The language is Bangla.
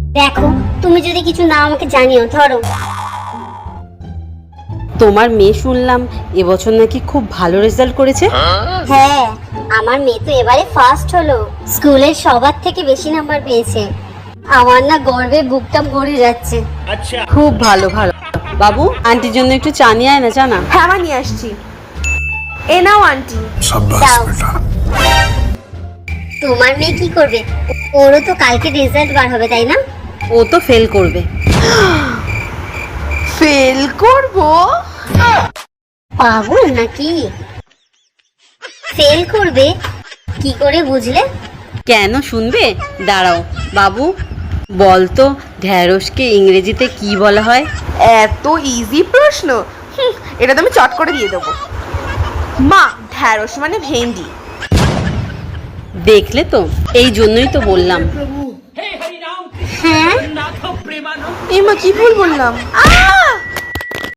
দেখো, তুমি যদি কিছু না আমাকে জানিও। ধরো, তোমার মেয়ে শুনলাম এবছর নাকি খুব ভালো রেজাল্ট করেছে। হ্যাঁ, আমার মেয়ে তো এবারে ফার্স্ট হলো, স্কুলের সবার থেকে বেশি নাম্বার পেয়েছে। আমার না গর্বে বুকটা ভরে যাচ্ছে। খুব ভালো ভালো। বাবু, আন্টির জন্য একটু চা নিয়ে আয় না, চা না। হ্যাঁ মা, নিয়ে আসছি। এ নাও আন্টি। দাও। তোমার মেয়ে কি করবে? ওরও তো কালকে রেজাল্ট বার হবে, তাই না? ও তো ফেল করবে। ফেল করবো? পাগল নাকি? ফেল করবে কি করে বুঝলে? কেন শুনবে? দাঁড়াও। বাবু, বল তো ঢ্যাঁড়সকে ইংরেজিতে কি বলা হয়? এত ইজি প্রশ্ন, এটা তো আমি চট করে দিয়ে দেবো। মা, ঢ্যাঁড়স মানে ভেন্ডি। দেখলে তো, এই জন্যই তো বললাম। হ্যাঁ, এই মা, কি ভুল বললাম?